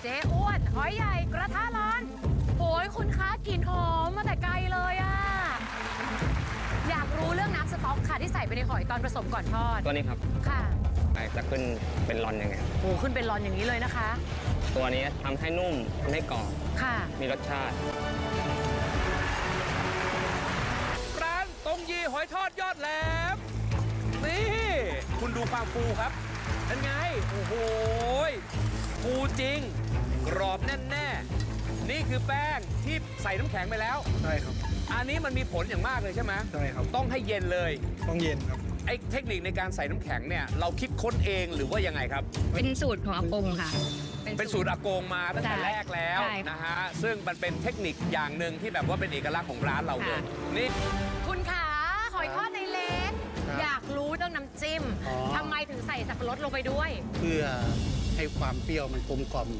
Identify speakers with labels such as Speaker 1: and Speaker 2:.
Speaker 1: จ๊อ้วนหอยใหญ่กระทะร้อนโอ้ยคุณคะกลิ่นหอมมาแต่ไกลเลยอะอยากรู้เรื่องน้ำสต๊อกค่ะที่ใส่ไปในหอยตอนผสมก่อนทอด
Speaker 2: ตัวนี้ครับ
Speaker 1: ค่ะ
Speaker 2: จะขึ้นเป็นรอนยังไง
Speaker 1: โอ้ขึ้นเป็นรอนอย่างนี้เลยนะคะ
Speaker 2: ตัวนี้ทำให้นุ่มทำให้กรอบ
Speaker 1: ค่ะ
Speaker 2: มีรสชาติ
Speaker 3: ร้านตงยีหอยทอดยอดแหลมนี่คุณดูความฟูครับเป็นไงโอ้โหฟูจริงกรอบแน่นแน่นี่คือแป้งที่ใส่น้ำแข็งไปแล้ว
Speaker 4: ใช่ครับ
Speaker 3: อันนี้มันมีผลอย่างมากเลยใช่ไหม
Speaker 4: ใช่ครับ
Speaker 3: ต้องให้เย็นเลย
Speaker 4: ต้องเย็นครับ
Speaker 3: ไอ้เทคนิคในการใส่น้ำแข็งเนี่ยเราคิดค้นเองหรือว่ายังไงครับ
Speaker 5: เป็นสูตรของอากงค่ะ
Speaker 3: เป็นสูตรอากงมาตั้งแต่
Speaker 5: ใช่
Speaker 3: แรกแล้ว
Speaker 5: ใช่ค่ะ
Speaker 3: นะฮะซึ่งมันเป็นเทคนิคอย่างหนึ่งที่แบบว่าเป็นเอกลักษณ์ของร้านเราเลย
Speaker 5: ค่ะ
Speaker 3: นี่
Speaker 1: คุณขาหอยทอดในเล็ก
Speaker 4: ครับ
Speaker 1: อยากรู้เรื่องน้ำจิ้ม
Speaker 4: อ๋อ
Speaker 1: ทำไมถึงใส่สับปะรดลงไปด้วย
Speaker 4: เพื่อให้ความเปรี้ยวมันกลมกล่อม